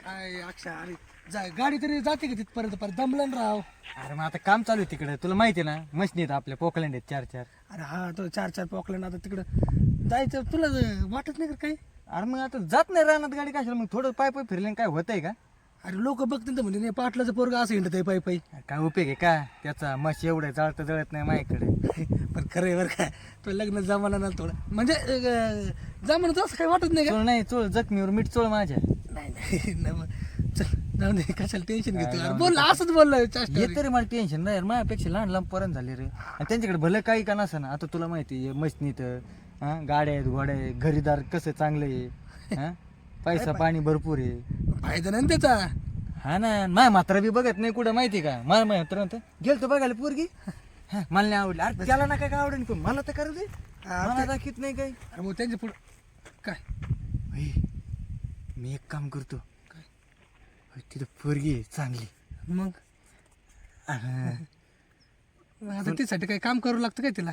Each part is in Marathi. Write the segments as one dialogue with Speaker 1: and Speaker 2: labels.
Speaker 1: काय अक्षा अरे गाडी तरी जाते का तिथपर्यंत पर दमलन राव.
Speaker 2: अरे मग आता काम चालू आहे तिकडे, तुला माहिती आहे ना, मशनी आहेत आपल्या पोकलँड आहेत 4-4.
Speaker 1: अरे हा तो 4-4 पॉकलँड आता तिकडं जायचं तुला वाटत नाही का काही.
Speaker 2: अरे मग आता जात नाही रानात गाडी कशाला, मग थोडं पाय पाय फिरले काय होतंय का?
Speaker 1: अरे लोक बघतील तर म्हणजे नाही पाटलाचं पोरग असं हिंडत आहे पायी
Speaker 2: काय उपयोग आहे का त्याचा? मश एवढं जळत नाही माझ्याकडे.
Speaker 1: पण खरं आहे बरं काय तो लग्न जमाना ना थोडं म्हणजे जमाना असं काही वाटत नाही का.
Speaker 2: चोळ नाही, चोळ जखमीवर मीठ चोळ माझ्या.
Speaker 1: नाही नाही मग चल जाऊन दे कशाला टेन्शन घेतो. अरे बोल असंच बोललं
Speaker 2: हे तरी मला टेन्शन नाही यार, माझ्यापेक्षा लहान लहान पर्यंत झाले रे. आणि त्यांच्याकडे भलं काही का नसं ना. आता तुला माहिती आहे मशनीत गाड्या आहेत, घोड्या आहे, घरीदार कसं चांगलं आहे, हा पैसा पाणी भरपूर आहे.
Speaker 1: फायदा नाही ना त्याचा.
Speaker 2: हा ना, माझ्या मात्र बी बघत नाही कुठं माहिती का. मला मात्र गेलतो बघायला पोरगी, मला नाही आवडली. अरे त्याला ना काय आवडेल पण मला तर करू दे, मला दाखवत नाही काही.
Speaker 1: अरे मग त्यांच्या पुढं काय
Speaker 2: मी एक काम करतो, तिथं पोरगी आहे चांगली.
Speaker 1: मग आता त्यासाठी काही काम करावं लागतं काय तिला.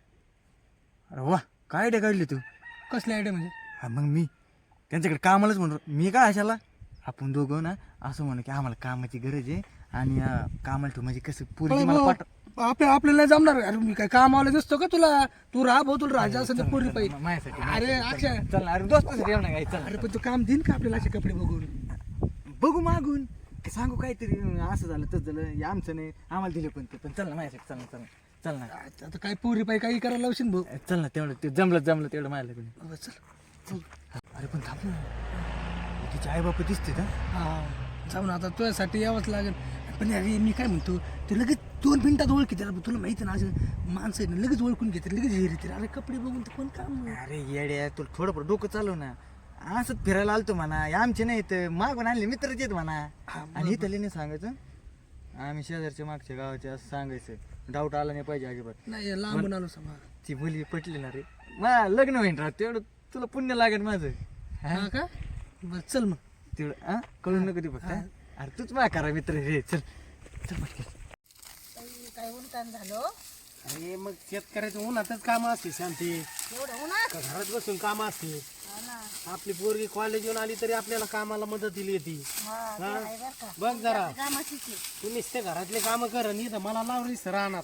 Speaker 2: अरे वा, काय आयडिया काढली तू.
Speaker 1: कसली आयडिया म्हणजे.
Speaker 2: हा मग मी त्यांच्याकडे कामालाच म्हणतो. मी काय अशाला आपण दोघं ना असं म्हणू की आम्हाला कामाची गरज आहे आणि कामाला ठेवू, म्हणजे कसं पोरगी मला पाठ
Speaker 1: आपल्याला नाही जमणार. अरे मी काय काम आलं नसतो का तुला. तू राहा भाऊ, तुला राजा असं पोरी पाहिजे
Speaker 2: माझ्यासाठी.
Speaker 1: अरे अक्षय
Speaker 2: चल अरे दोस्तासाठी येऊ ना काय. चल
Speaker 1: अरे पण तू काम देईन का आपल्याला असे कपडे बघून.
Speaker 2: बघू मागून सांगू काहीतरी असं झालं तसं झालं, हे आमचं नाही आम्हाला दिले पण ते. पण चल ना माझ्यासाठी, चल ना चल ना चल ना.
Speaker 1: आता काय पोरी पाहिजे काही करायला लावशील भाऊ.
Speaker 2: चल ना, तेवढं ते जमलं तेवढं माझ्याकडे.
Speaker 1: चल
Speaker 2: अरे पण थांब ना, तिचे आई बाप दिसते का?
Speaker 1: हा जाऊन आता तुझ्यासाठी यावंच लागेल. पण अरे मी काय म्हणतो ते लगेच 2 मिनिटात ओळखी त्याला. तुला माहिती ना असं माणसं आहे ना लगेच ओळखून घेते लगेच हे येते. अरे कपडे बघून तर कोण काम.
Speaker 2: अरे येड्या, तुला थोडं डोकं चालव ना. असंच फिरायला आलतो म्हणा, आमचे नाही तर मागून आणले मित्रच येत म्हणा. आणि इथले नाही सांगायचं, आम्ही शेजारच्या मागच्या गावाचे असं सांगायचं. डाऊट आला नाही पाहिजे अजिबात.
Speaker 1: नाही लांबून आलो समजा.
Speaker 2: ती मुली पटली ना रे, मला लग्न होईन राहत तेवढं तुला पुण्य लागेल माझं.
Speaker 1: हा का बरं चल मग.
Speaker 2: तेवढं कळून नको ती फक्त. अरे तूच माझ्या करा मित्र रे. चल चल पटकन.
Speaker 3: काय उलटान झालं.
Speaker 1: अरे मग शेतकऱ्याचं उन्हातच काम असते शांती.
Speaker 3: एवढं उन्हात.
Speaker 1: घरात बसून काम असते.
Speaker 3: हा ना.
Speaker 1: आपली पोरगी कॉलेज येऊन आली तरी आपल्याला कामाला मदतीला येते.
Speaker 3: हा, ते आहे बरं का.
Speaker 1: बघ जरा
Speaker 3: कामाचीच आहे.
Speaker 1: तू नुसते घरातले काम कर आणि इथं मला लावलीस राहणार.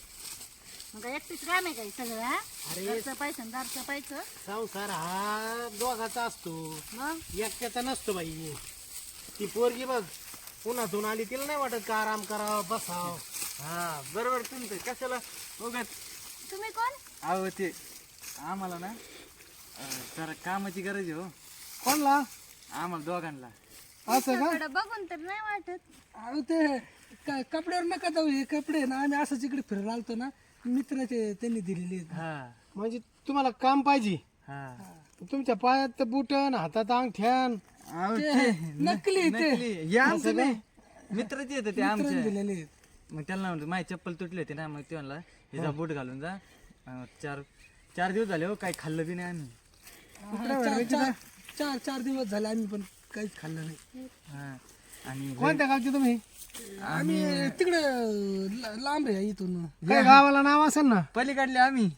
Speaker 3: मग काय एकटीच काम आहे काही सगळं. हा
Speaker 1: अरे
Speaker 3: घरचं पाहिजे दारचं पाहिजे.
Speaker 1: संसार हा दोघाचा असतो,
Speaker 3: मग
Speaker 1: एकट्याचा नसतो बाई. ती पोरगी बघ उन्हातून आली, तिला नाही वाटत का आराम करावं बसावं.
Speaker 2: हा बरोबर तुमचं. कशाला उगाच.
Speaker 3: तुम्ही कोण.
Speaker 2: अहो ते आम्हाला ना जरा कामाची गरज आहे हो,
Speaker 1: कोणला
Speaker 2: आम्हाला दोघांना.
Speaker 1: असं का.
Speaker 3: तुमच्याकडं बघून तर नाही वाटत.
Speaker 1: अहो ते कपड्यावर नका जाऊ. हे कपडे ना आम्ही असंच इकडे फिरायला आलतो ना, मित्राचे त्यांनी दिलेले आहेत.
Speaker 2: हा
Speaker 1: म्हणजे तुम्हाला काम पाहिजे.
Speaker 2: हा
Speaker 1: तुमच्या पायात बुटन हातात अंगठ्यान
Speaker 2: अहो,
Speaker 1: ते
Speaker 2: ते
Speaker 1: नकली ते
Speaker 2: नकली. हे आमचं नाही, मित्रच येतं ते आमचे.
Speaker 1: मित्रांनी दिलेले आहेत.
Speaker 2: मग त्यांना म्हणतो माझी चप्पल तुटली होती ना, मग ते म्हणला हे जा बूट घालून जा. 4 दिवस झाले हो, काही खाल्लं बी नाही आम्ही.
Speaker 1: चार दिवस झाले आम्ही पण काहीच खाल्लं नाही.
Speaker 2: हा आणि
Speaker 1: कोणत्या गावचे तुम्ही. आम्ही तिकडे लांब आहे इथून.
Speaker 2: काय
Speaker 1: गावाला नाव असेल ना.
Speaker 2: पलीकडले आम्ही.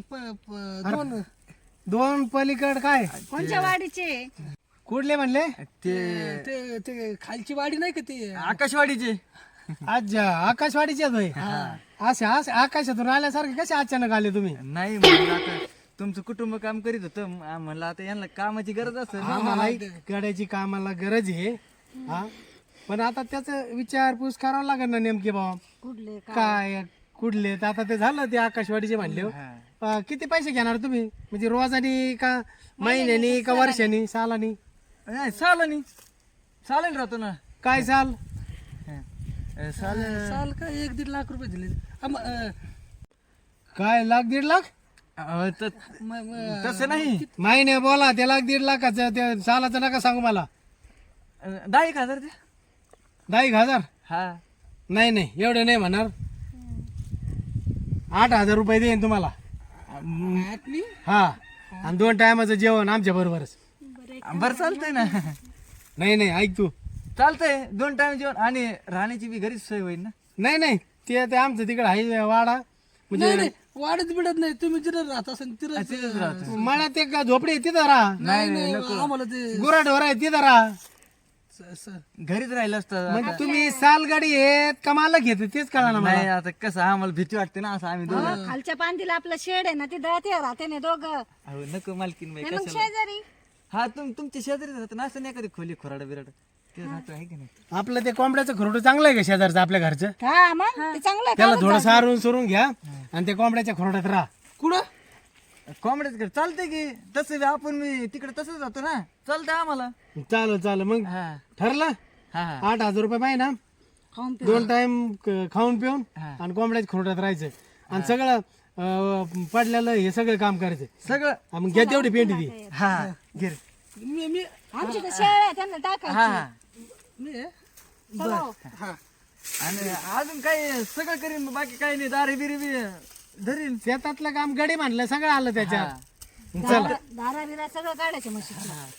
Speaker 1: 2 पलीकड काय
Speaker 3: कोणच्या वाडीचे.
Speaker 1: कुठले म्हणले.
Speaker 2: ते
Speaker 1: ते खालची वाडी नाही का ती
Speaker 2: आकाशवाडीचे.
Speaker 1: आज आकाशवाडीचे होय. असे आकाशातून आल्यासारखे कसे अचानक आले तुम्ही.
Speaker 2: नाही म्हणलं आता तुमचं कुटुंब काम करीत होतं, म्हणलं आता यांना कामाची गरज असेल.
Speaker 1: आम्हाला गाड्याची कामाला गरज आहे. हा पण आता त्याच विचारपूस करावं लागेल ना नेमके बाबा
Speaker 3: कुठले
Speaker 1: काय कुठले. तर आता ते झालं ते आकाशवाडीचे म्हणले हो. किती पैसे घेणार तुम्ही म्हणजे रोजानी का महिन्यानी का वर्षानी सालानी.
Speaker 2: नाही चालेल राहतो ना.
Speaker 1: काय साल
Speaker 2: चालेल
Speaker 1: का 1-1.5 लाख रुपये दिले. काय 1-1.5 लाख.
Speaker 2: तसं नाही,
Speaker 1: महिने बोला ते 1-1.5 लाखाचं ते सालाचं नका सांगू मला.
Speaker 2: 10,000 ते.
Speaker 1: 10,000.
Speaker 2: हा
Speaker 1: नाही एवढे नाही म्हणणार. 8,000 रुपये देईन तुम्हाला. हा आणि 2 टायमाचं जेवण आमच्या बरोबरच.
Speaker 2: बरं चालतंय ना.
Speaker 1: नाही ऐक तू.
Speaker 2: चालतंय 2 टाइम जेवण आणि राहण्याची बी घरीच सोय होईल ना.
Speaker 1: नाही ते आमचं तिकडे आहे वाडा. म्हणजे वाडत बिडत नाही. तुम्ही तिथं राहत असेल
Speaker 2: तिथेच राहतो.
Speaker 1: मला ते का झोपडी आहे तिथं राहा.
Speaker 2: नाही नको.
Speaker 1: आम्हाला ते गुराढोर आहे तिथं राहा.
Speaker 2: घरीच राहिलं असतं
Speaker 1: मग तुम्ही सालगाडी आहेत कमाला घेते तेच कळा ना
Speaker 2: नाही आता कसं आम्हाला भीती वाटते ना असं आम्ही दोघं
Speaker 3: हो, खालच्या पांदीला आपलं शेड आहे ना तिथं ते राहते ना दोघं
Speaker 2: अहो नको मालकीन बाई
Speaker 3: नाही मग
Speaker 2: कशाला
Speaker 3: शेजारी
Speaker 2: हा तुमच्या शेजारी राहत ना असं नाही कधी खोली खोराड बिराड ते राहतो आहे की नाही
Speaker 1: आपलं ते कोंबड्याचं खरोडं चांगलं आहे का शेजारचं आपल्या घरचं
Speaker 3: हा मग ते चांगलं आहे
Speaker 1: त्याला थोडं सारून सोरून घ्या आणि ते कोंबड्याच्या खरोड्यात राहा कुठं
Speaker 2: कोंबड्याच घर चालतंय की तसं बी आपण मी तिकडे तसंच जातो ना चालतंय आम्हाला
Speaker 1: चालेल मग
Speaker 2: हा
Speaker 1: ठरलं
Speaker 2: हा
Speaker 1: 8,000 रुपये महिना
Speaker 3: खाऊन
Speaker 1: 2 टाइम खाऊन पिऊन
Speaker 2: हा.
Speaker 1: आणि कोंबड्याच्या खरोड्यात राहायचं आणि सगळं पडलेलं हे सगळं काम करायचं
Speaker 2: सगळं
Speaker 1: हा, मग घ्या तेवढी पेंटी ती
Speaker 2: हा घे रे.
Speaker 3: आमची तर शेळ आहे त्यांना टाकायची
Speaker 2: हा
Speaker 3: चला हो.
Speaker 2: आणि अजून काय सगळं करीन बाकी काही नाही दारे बिरी बी धरीन
Speaker 1: शेतातलं काम गडी म्हणलं सगळं आलं त्याच्यात
Speaker 3: दारा बिरा सगळं काढायचं म्हशी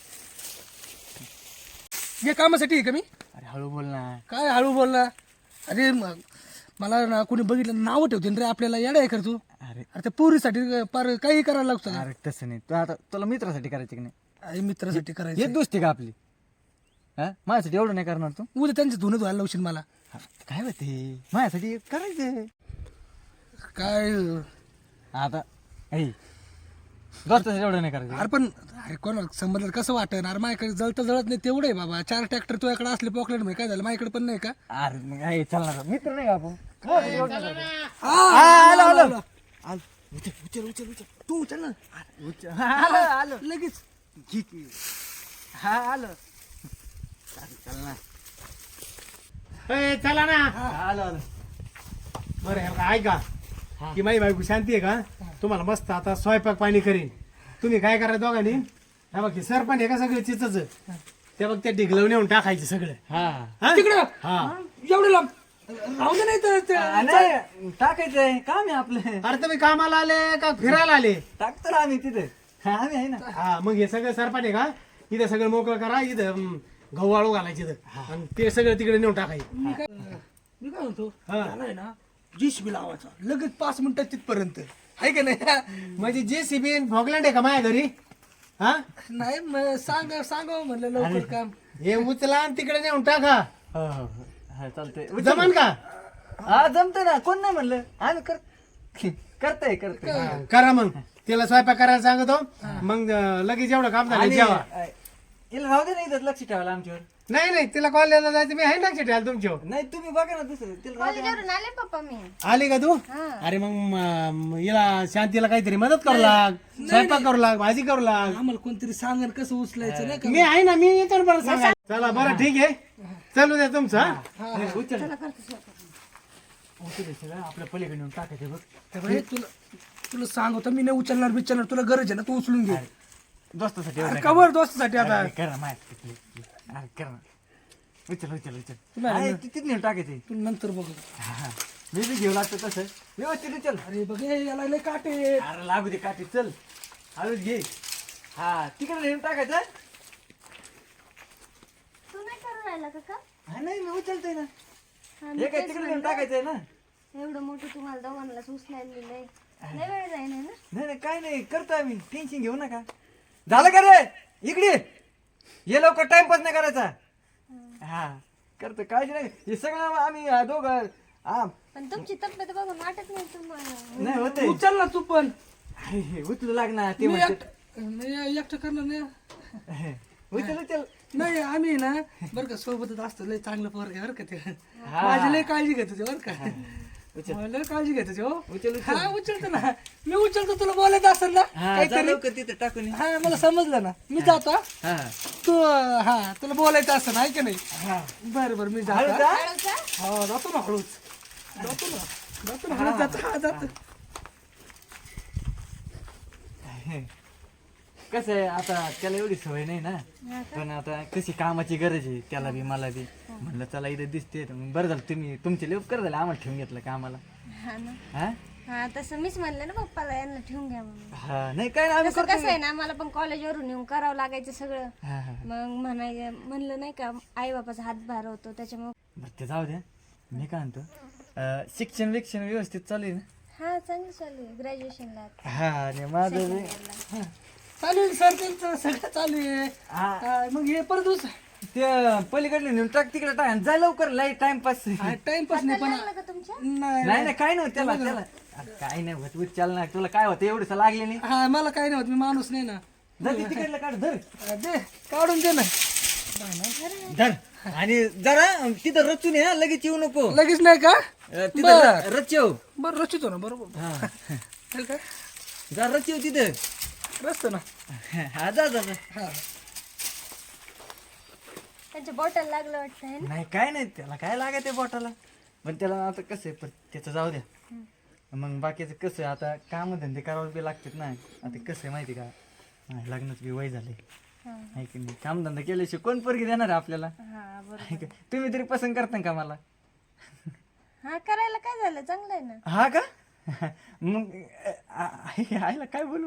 Speaker 1: हे कामासाठी आहे का मी
Speaker 2: अरे हळू बोल ना
Speaker 1: काय हळू बोलला अरे मला ना कोणी बघितलं नाव ठेवते रे आपल्याला येडा आहे कर तू
Speaker 2: अरे
Speaker 1: अरे त्या पोरीसाठी पार काही करायला लागतं
Speaker 2: अरे तसं नाही तू आता तुला मित्रासाठी करायचं की नाही
Speaker 1: अरे मित्रासाठी करायचं
Speaker 2: हे दोस्ती का आपली हा माझ्यासाठी एवढं नाही करणार तू
Speaker 1: उद्या त्यांचं धुणं धुवायला लावशील मला
Speaker 2: हा, काय होते माझ्यासाठी करायचं
Speaker 1: काय
Speaker 2: आता ऐ दोस्तासाठी एवढं नाही करायचं
Speaker 1: अरे पण अरे कोणा संबंध कसं वाटन अरे माझ्याकडे जळत जळत नाही तेवढं आहे बाबा 4 ट्रॅक्टर तुझ्याकडे असले पॉकलेट मध्ये काय झालं माझ्याकडे पण नाही का
Speaker 2: अरे मग ऐ चालणार मित्र नाही का आपण
Speaker 1: आलो आलो उचल तू उचल ना
Speaker 2: आलो
Speaker 1: लगेच
Speaker 2: हा आलो चल ना
Speaker 1: चला ना
Speaker 2: आलो आलो
Speaker 1: बरं हे बघा, ऐका की माझी बायको शांती आहे का तुम्हाला मस्त आता स्वयंपाक पाणी करीन तुम्ही काय करा दोघांनी हा बघ सर पण आहे का सगळं चिचच ते बघ ते ढिगलवून नेऊन टाकायचं सगळं
Speaker 2: हा
Speaker 1: तिकडं हा एवढं लांब राहू दे नाही तर
Speaker 2: नाही टाकायचंय काम आहे आपलं
Speaker 1: अरे तुम्ही कामाला आले का फिरायला आले
Speaker 2: टाकतो ना आम्ही तिथे हा आम्ही आहे ना
Speaker 1: हा मग हे सगळं सरपाट आहे का इथं सगळं मोकळं करा इथं गहू वाळू घालायचे इथं आणि ते सगळं तिकडे नेऊन टाकायचं मी काय म्हणतो त्याला आहे ना JCB लावायचा लगेच 5 मिनिटात तिथपर्यंत आहे का नाही म्हणजे JCB भोगलँड आहे का माझ्या घरी हा नाही सांगा म्हणलं लवकर काम हे उचला आणि तिकडे नेऊन टाका
Speaker 2: हा चालतंय
Speaker 1: जमन का
Speaker 2: हा जमतंय ना कोण नाही म्हणलं आम्ही करतोय
Speaker 1: करा मग तिला स्वयंपाक करायला सांगतो मग लगेच एवढं काम झालं जेवा
Speaker 2: तिला राहू दे नाही इथं लक्ष ठेवायला आमच्यावर
Speaker 1: नाही तिला कॉलेजला जायचं मी आहे ना ठेवायला तुमच्यावर
Speaker 2: नाही तुम्ही बघा ना दुसरं तिला राहू दे.
Speaker 3: कॉलेजवरून आले पप्पा मी
Speaker 1: आली का तू अरे मग हिला शांतीला काहीतरी मदत करू लाग स्वयंपाक करू लाग भाजी करू लाग आम्हाला कोणतरी सांगन कसं उचलायचं नाही मी आहे ना मी येतो ना बरं सांगा चला बरं ठीक आहे चालू द्या तुमचं
Speaker 2: आपल्या पलीकडे नेऊन टाकायचं बघ
Speaker 1: तुला सांगतो मी नाही उचलणार तुला गरज आहे ना तू उचलून घे
Speaker 2: दोस्तासाठी
Speaker 1: अरे कवर दोस्तासाठी आता
Speaker 2: कर ना माहिती अरे कर ना उचल तिथे नेऊन टाकायचे
Speaker 1: तू नंतर बघ
Speaker 2: मी बी घेऊ लागतो तसं व्यवस्थित उचल
Speaker 1: अरे बघ हे याला लय काटे
Speaker 2: अरे लागू दे काठी चल हळूच घे हा तिकडे नेऊन टाकायचं
Speaker 3: तू नाही करून राहिला का
Speaker 2: हा नाही मी उचलतोय ना
Speaker 3: हा,
Speaker 2: हे काय तिकडे नेऊन टाकायचंय ना
Speaker 3: एवढं मोठं तुम्हाला दोघांना उचलायला दिलंय लय वेळ जाईन ना
Speaker 2: नाही काय नाही करतो आम्ही टेन्शन घेऊ नका झालं का रे इकडे ये लवकर टाइमपास नाही करायचा हा करतो काळजी नाही हे सगळं आम्ही दोघं हा
Speaker 3: पण तुमची तब्येत बघून वाटत नाही तुम्हाला
Speaker 2: नाही होते
Speaker 1: उचल ना तू पण
Speaker 2: अरे उचलू लागणार ते
Speaker 1: मी
Speaker 2: म्हणते
Speaker 1: मी एकटं करणार नाही
Speaker 2: उचल
Speaker 1: नाही आम्ही ना बरं का सोबतच असतो लय चांगलं पोरग आहे बरं का ते माझी लय काळजी घेतो ते बरं का लय काळजी घेतो ते हो हा उचलतो ना मी उचलतो तुला बोलायचं असेल ना काहीतरी
Speaker 2: तिथे टाकून
Speaker 1: हा मला समजलं ना मी जातो हा.
Speaker 2: हा
Speaker 1: तू हा तुला बोलायचं असं नाही की नाही बरं मी जातो हा. हा जातो ना हळूच जातो ना हळूच जातो
Speaker 2: कसं आहे आता त्याला एवढी सवय नाही ना पण आता कशी कामाची गरज आहे त्याला बी मला बी म्हणलं चला इथे दिसते मग बरं झालं तुम्ही तुमचे लय उपकार झाले आम्हाला ठेवून घेतलं कामाला
Speaker 3: हा ना
Speaker 2: हा
Speaker 3: हा तसं मीच म्हणलं ना पप्पाला यांना ठेवून घ्या म्हणून
Speaker 2: हा नाही काय ना आम्ही
Speaker 3: कसं कसं आहे ना मला पण कॉलेजवरून येऊन करावं लागायचं सगळं
Speaker 2: हा हा
Speaker 3: मग म्हणलं नाही का आई बापाचा हातभार होतो त्याच्यामुळे
Speaker 2: बरं ते जाऊ द्या मी काय म्हणतो शिक्षण व्यवस्थित चालू आहे ना
Speaker 3: हा चांगलं चालू आहे ग्रॅज्युएशनला
Speaker 2: हा आणि माझं बी-
Speaker 1: चालू आहे सर त्यांचं सगळं चालू आहे
Speaker 2: हा
Speaker 1: मग हे परत
Speaker 2: ते पलीकडले नेऊन टाक तिकडे टाक जा लवकर लय टाइमपास
Speaker 1: टाइमपास नाही पण
Speaker 3: लागलं का तुमच्या
Speaker 1: नाही
Speaker 2: नाही नाही काय नव्हतं त्याला त्याला अरे काय नाही होत चाल ना तुला काय होतं एवढंच लागले नाही
Speaker 1: हा मला काही नाही होत मी माणूस नाही ना
Speaker 2: धर ते तिकडलं काढ धर
Speaker 1: दे काढून दे ना
Speaker 2: धर आणि जरा तिथं रचून ये लगेच येऊ नको
Speaker 1: लगेच नाही का
Speaker 2: तिथं रचव
Speaker 1: बरं रचितो ना बरोबर
Speaker 2: हा
Speaker 1: चालेल का
Speaker 2: जा रचव तिथं
Speaker 1: रचतो ना
Speaker 2: हा जा जा जा.
Speaker 1: हा
Speaker 3: त्यांच्या बॉटल लागलं वाटतं है ना
Speaker 2: नाही काय नाही त्याला काय लागत आहे बोटाला पण त्याला आता कसं आहे पण त्याचं जाऊ द्या मग बाकीचं कसं आहे आता काम धंदे करावं बी लागतात ना आता कसं आहे माहिती का लग्नाचं बी वय झाले आहे की नाही कामधंदा केल्याशिवाय कोण पोरगी देणार आहे आपल्याला
Speaker 3: हा बरोबर
Speaker 2: आहे का? तुम्ही तरी पसंत करता का मला
Speaker 3: हा करायला काय झालं चांगलं आहे ना
Speaker 2: हा का मग आईला काय बोलू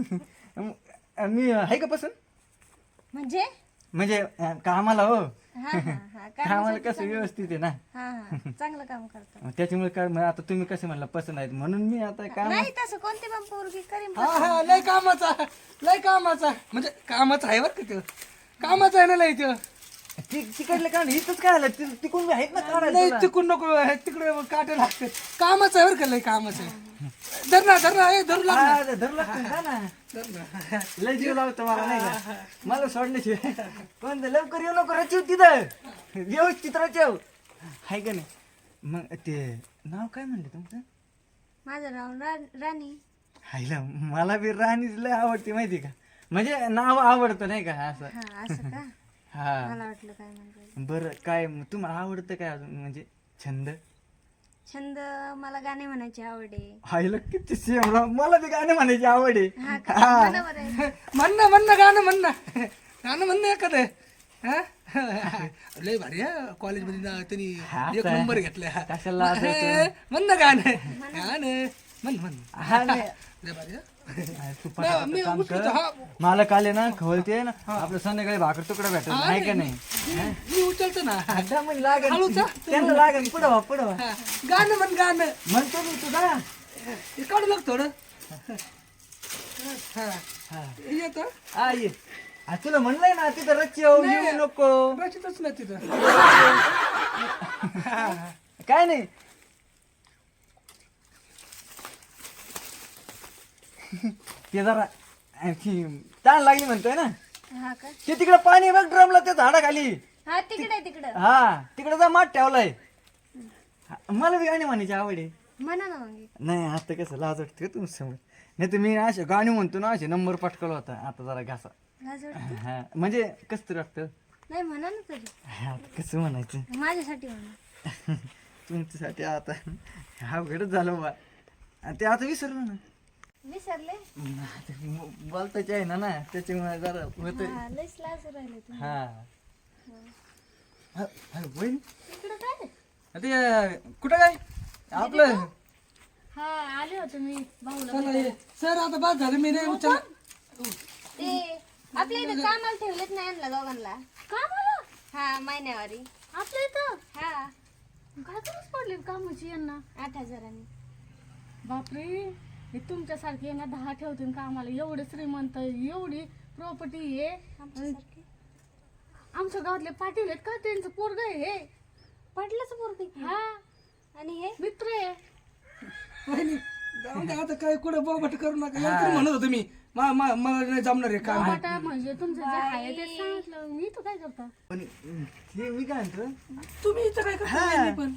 Speaker 2: मी आहे का पसंत
Speaker 3: म्हणजे
Speaker 2: कामाला हो
Speaker 3: हा हा हा
Speaker 2: कामाला कसं व्यवस्थित आहे ना
Speaker 3: हा हा चांगलं काम करतो
Speaker 2: मग त्याच्यामुळे काय मग आता तुम्ही कसे म्हणला पसंत आहेत म्हणून मी आता काम
Speaker 3: नाही तसं कोणती पण पोरगी करीन
Speaker 1: हा हा लय कामाचा म्हणजे कामाचा आहे बरं का ते कामाचा आहे ना लय ते
Speaker 2: तिकडले काढ इथंच काय आलं तिकडून मी आहेत ना काढायला
Speaker 1: लय
Speaker 2: तुला.
Speaker 1: तिकडून नको तिकडे काटे लागते कामाचं आहे बरं का लय कामाचं आहे धर ना ए धरू लाग ना.
Speaker 2: हा, धरलं लागतं ना, जा ना.
Speaker 1: धर ना
Speaker 2: लय जीव लावतो मला नाही का मला सोडल्याशिवाय पण ते लवकर येऊ नको रचव तिथं व्यवस्थित रचव आहे का नाही मग ते नाव काय म्हणले तुमचं
Speaker 3: माझं नाव राणी
Speaker 2: हायला मला बी राणीच लय आवडते माहिती का म्हणजे नाव आवडतं नाही का असं
Speaker 3: हा असं का
Speaker 2: हा
Speaker 3: मला वाटलं काय म्हणतो
Speaker 2: बरं काय तुम्हाला आवडतं काय अजून म्हणजे छंद
Speaker 3: छंद मला गाणे म्हणायची आवड आहे
Speaker 2: हायला किती सेम मला बी गाणे म्हणायची आवड आहे
Speaker 3: हा का म्हणा बरं.
Speaker 1: म्हणणं गाणं म्हणणं एखादं हा? लय भारी हा कॉलेजमध्ये ना त्यांनी एक नंबर घेतलाय
Speaker 2: कशाला
Speaker 1: म्हणणं गाणं म्हण
Speaker 2: हा नाही
Speaker 1: लय भारी हा?
Speaker 2: तू पटापट
Speaker 1: मी
Speaker 2: काम
Speaker 1: उठलो
Speaker 2: कर.
Speaker 1: तर हा
Speaker 2: मला काल ना खवलते ना आपलं संध्याकाळी भाकर तुकडा भेटत नाही का नाही
Speaker 1: मी उचलतो ना
Speaker 2: आता म्हणजे लागेल
Speaker 1: हळूचा?
Speaker 2: त्यांना लागेल पुढं व्हा
Speaker 1: हा. गाणं गाणं
Speaker 2: म्हणतो मी तुझा
Speaker 1: हे काढू लाग थोडं हा येतं
Speaker 2: आ ये आ, तुला म्हणलंय ना तिथं रच्चव येऊ नको
Speaker 1: रचितच नाही तिथं
Speaker 2: काय नाही ते जरा आणखी ताण लागली म्हणतोय ना
Speaker 3: हा का
Speaker 2: ते तिकडे पाणी बघ ड्रमला त्या झाडाखाली
Speaker 3: हा तिकडे
Speaker 2: हा तिकडे जा माठ ठेवलाय मला बी गाणी म्हणायची आवड आहे
Speaker 3: म्हणा ना मग
Speaker 2: नाही आता कसं लाज वाटते का तुम्ही समोर नाही तर मी असे गाणी म्हणतो ना असे नंबर पटकवला होता आता जरा घासा
Speaker 3: लाज वाटते?
Speaker 2: हा म्हणजे कसं तरी वाटतं
Speaker 3: नाही म्हणा ना तरी
Speaker 2: हा, आता कसं म्हणायचं
Speaker 3: माझ्यासाठी म्हणा
Speaker 2: तुमच्यासाठी आता अवघडच झालं बा ते आता विसरलो ना
Speaker 3: विसरले
Speaker 2: बोलताचे आहे ना त्याच्यामुळे जरा होत
Speaker 3: हा लयच लाज राहिले तुम्ही
Speaker 2: हा बहीण
Speaker 3: इकडं काय
Speaker 2: ते कुठं काय आपलं
Speaker 3: हा आले होते मी भाऊला
Speaker 1: चला ये सर आता बाद झालं मी नाही उचल
Speaker 3: ते आपल्या इथे कामाला ठेवलेत नाही आणला दोघांना कामाला हा महिन्यावारी आपल्या इथं हा
Speaker 4: काय गरज पडली कामाची यांना
Speaker 3: 8,000
Speaker 4: बापरे हे तुमच्यासारखे यांना 10 ठेवतील कामाला एवढे श्रीमंत एवढी प्रॉपर्टी आहे
Speaker 3: आमच्यासारखे
Speaker 4: आमच्या गावातले पाटील आहेत का त्यांचं पोरग आहे हे
Speaker 3: पडलंच पोरगी
Speaker 4: हा
Speaker 3: आणि हे
Speaker 4: मित्र आहे
Speaker 1: वहिनी, जाऊ दे आता काय कुठं बाबट करू नका एवढं म्हणत होतो मी मला नाही जमणार आहे काम
Speaker 4: बाटा म्हणजे तुमचं जे आहे ते सांगितलं मी तर काय करता
Speaker 2: पण हे मी काय म्हणतो
Speaker 1: तुम्ही इथं काय करता वहिनी पण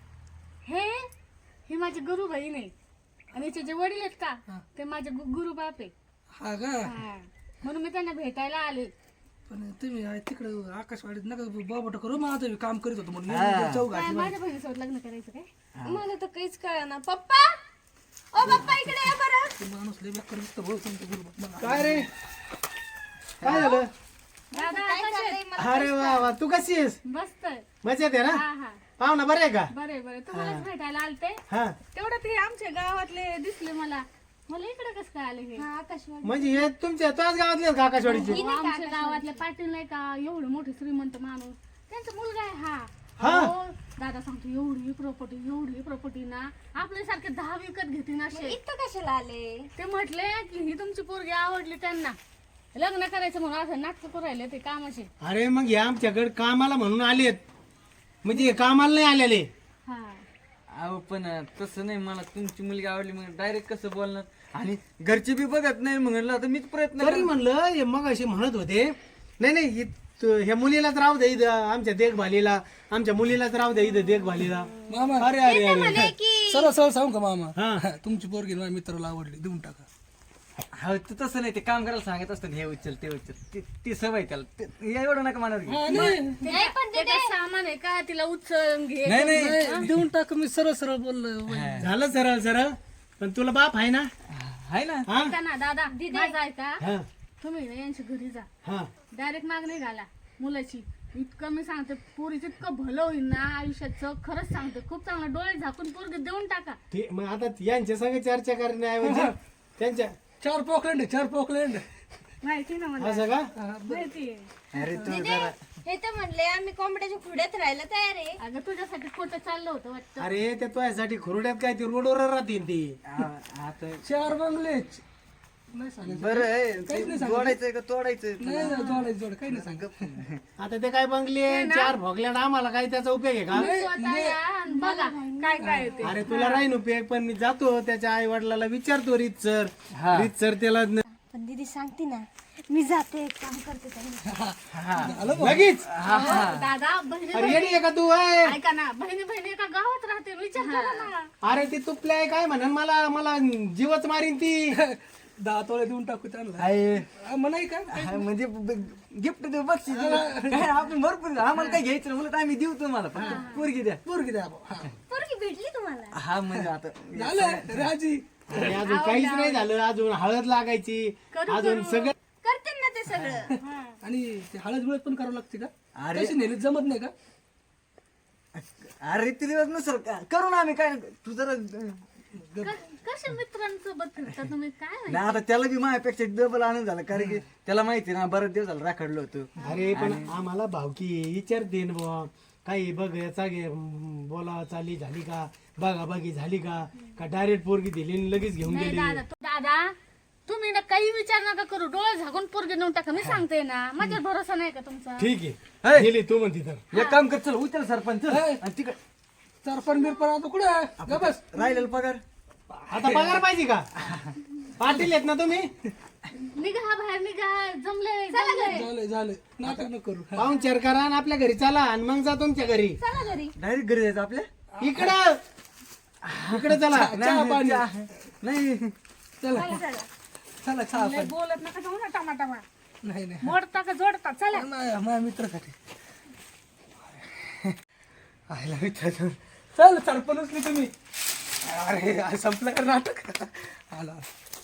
Speaker 4: हे माझे गुरु बहीण आहे आणि याचे जे वडील आहेत का ते माझे गुरु बाप आहे
Speaker 1: हा का
Speaker 4: हा. म्हणून मी त्यांना भेटायला आले
Speaker 1: पण तुम्ही तिकडं आकाशवाडीत नका बाबट करू मग आता काम करीत होतो म्हणून चौघा
Speaker 4: काय माझ्या बहिणीसोबत लग्न करायचं काय
Speaker 3: मला तर काहीच कळना पप्पा ओ पप्पा इकडे या बरं
Speaker 1: माणूस लय बेकार दिसतो भाऊ तुमच्या बरोबर
Speaker 5: काय रे काय झालं
Speaker 4: दादा
Speaker 3: काय
Speaker 4: कसे
Speaker 3: चाललंय मला
Speaker 5: अरे वा वा तू कशी आहेस
Speaker 4: मस्त आहे
Speaker 5: मजेत आहे ना
Speaker 4: हा हा
Speaker 5: पाहुणा बरे आहे का
Speaker 4: बरे बरे तुम्हालाच भेटायला आलते
Speaker 5: हा
Speaker 4: तेवढं ते आमच्या गावातले दिसले मला इकडे कसं काय आले हे
Speaker 3: हा आकाशवाणी
Speaker 5: म्हणजे हे तुमच्या तुझ्याच गावातले आहेत का आकाशवाडीचे
Speaker 4: आमच्या गावातले पाटील नाही का एवढे मोठे श्रीमंत माणूस त्यांचा मुलगा आहे हा
Speaker 5: हा?
Speaker 4: हो, दादा सांगतो एवढी प्रॉपर्टी ना आपल्यासारखे 10 विकत घेतील असे
Speaker 3: इथं कशाला आले
Speaker 4: ते म्हटले की ही तुमची पोरगी आवडली त्यांना लग्न करायचं म्हणून असं नाटक करू राहिले ते कामाचे.
Speaker 5: अरे मग हे आमच्याकडे कामाला म्हणून आलेत, म्हणजे हे कामाला नाही आलेले.
Speaker 4: हा
Speaker 2: अहो पण तसं नाही, मला तुमची मुलगी आवडली मग डायरेक्ट कसं बोलणार, आणि घरचे बी बघत नाही म्हणलं आता मीच प्रयत्न
Speaker 5: तरी म्हणलं हे मग असे म्हणत होते, नाही नाही ह्या मुलीलाच राहू दे इथं आमच्या देखभालीला, आमच्या मुलीलाच राहू दे इथं देखभालीला.
Speaker 1: मामा
Speaker 5: अरे अरे अरे
Speaker 3: म्हणे की
Speaker 1: सरळ सरळ सांगू का मामा
Speaker 5: हा.
Speaker 1: तुमची पोरगी माझ्या मित्राला आवडली, देऊन टाका.
Speaker 2: हा तर तसं नाही, ते काम करायला सांगत असतात हे उचल ते उचल, ती सवय त्याला एवढं नका म्हणाल की.
Speaker 3: नाही पण
Speaker 4: ते काय सामान आहे का तिला उचल घे.
Speaker 2: नाही नाही
Speaker 1: देऊन टाका, मी सरळ सरळ बोललो.
Speaker 5: झालं सरळ सरळ, पण तुला बाप आहे ना?
Speaker 2: आहे ना.
Speaker 5: हा
Speaker 4: ऐका ना दादा माझं ऐका,
Speaker 5: हा
Speaker 4: तुम्ही ना यांच्या घरी जा,
Speaker 5: हा
Speaker 4: डायरेक्ट माग नाही घाला मुलाची. इतकं मी सांगते पोरीचं इतकं भलं होईल ना आयुष्याचं, खरंच सांगते खूप चांगलं. डोळे झाकून पोरगी देऊन टाका.
Speaker 5: ते मग आता यांच्या संग चर्चा करण्याऐवजी त्यांच्या
Speaker 1: 4 पोकलँड आहे, 4 पोकलँड.
Speaker 4: माहिती ना मला,
Speaker 5: असं का?
Speaker 4: माहिती आहे.
Speaker 2: अरे तू
Speaker 3: दिदे, हे तर म्हणले आम्ही कोंबड्याच्या खुड्यात राहायला तयार आहे.
Speaker 4: अगं तुझ्यासाठी खोटं चाललं होतं वाटतं.
Speaker 5: अरे त्या तुझ्यासाठी खुरड्यात काय ती रोडवर राहतील ती.
Speaker 2: आता
Speaker 1: 4 बंगले. नाही सांगायचं.
Speaker 2: बरं जोडायचंय का तोडायचं?
Speaker 1: नाही जोडायचं जोड, काही नाही सांगत.
Speaker 5: आता ते काय बंगले 4 भोगल्यात, आम्हाला काही त्याचा उपयोग आहे का?
Speaker 4: स्वतः या आणि बघा काय काय येते.
Speaker 5: अरे तुला राहीन उपयोग, पण मी जातो त्याच्या आई वडिलाला विचारतो रीतसर त्याला
Speaker 3: पण दीदी सांगते ना, मी जाते एक काम करते त्यांनी.
Speaker 5: लगेच.
Speaker 4: दादा बहिणी
Speaker 5: अरे येडी आहे का तू? ए?
Speaker 4: ऐका ना, बहिणी बहिणी एका गावात राहते, विचार करा ना.
Speaker 5: अरे ती तुपल्या आहे काय म्हणन, मला मला जीवच मारीन ती.
Speaker 1: 10 तोळे देऊन टाकू त्यांना.
Speaker 2: आहे
Speaker 1: म्हणाय का
Speaker 2: म्हणजे गिफ्ट देऊ बक्षीस देऊ. काय आपण भरपूर आम्हाला काय घ्यायचं नाही, उलट आम्ही देऊ तुम्हाला, फक्त पोरगी द्या.
Speaker 1: पोरगी द्या भाऊ. हा.
Speaker 3: पोरगी भेटली तुम्हाला?
Speaker 2: हा म्हणजे आता
Speaker 1: झालं राजी.
Speaker 5: अरे अजून काहीच नाही झालं, अजून हळद लागायची, अजून सगळं.
Speaker 3: करते ना ते सगळं.
Speaker 1: आणि ते हळद बिळद पण करावं लागते का?
Speaker 2: अरे.
Speaker 1: तशी नेली जमत नाही का?
Speaker 2: अरे ते दिवस नसर करू ना आम्ही, काय तू जरा
Speaker 4: कशा मित्रांसोबत फिरता तुम्ही काय माहिती?
Speaker 2: नाही आता त्याला बी माझ्यापेक्षा डबल आनंद झाला, कारण की त्याला माहिती ना बरेच दिवस झाला राखडलो होतो.
Speaker 5: अरे पण आम्हाला भावकी विचारते ना बुवा, काही बघ याचा घे बोला चाली झाली का, बघा बघी झाली का डायरेक्ट पोरगी दिली आणि लगेच घेऊन
Speaker 4: नाही
Speaker 5: गेली.
Speaker 4: दादा तुम्ही ना काही विचार नका करू, डोळे झाकून पोरगी नेऊन टाका. मी सांगते ना, माझ्यावर भरोसा नाही का तुमचा?
Speaker 5: ठीक
Speaker 2: हे.
Speaker 5: आहे गेली तू म्हणती तर.
Speaker 2: एक काम कर, चल उचल सरपंच चल. आणि तिकडे
Speaker 1: 4 बिरपण आता कुठं ग बस.
Speaker 2: राहिलेला पगार
Speaker 5: आता पगार पाहिजे का? पाटील आहेत ना तुम्ही?
Speaker 4: निघा बाहेर निघा, जमले
Speaker 1: झालं नाटक न करू.
Speaker 5: पाहून चेअर करा आणि आपल्या घरी चला आणि मग जा तुमच्या घरी.
Speaker 3: चला घरी.
Speaker 2: डायरेक्ट घरी जायचं आपल्या.
Speaker 5: इकडं इकडे चला.
Speaker 2: नाही
Speaker 1: चला चला चहा
Speaker 4: लय बोलत नका जाऊ ना टमाटमा.
Speaker 1: नाही नाही
Speaker 4: मोडता का जोडता चला.
Speaker 1: माझ्या मित्रासाठी. आयला मित्र चल सरपण उचली तुम्ही. अरे संपलं का नाटक आला.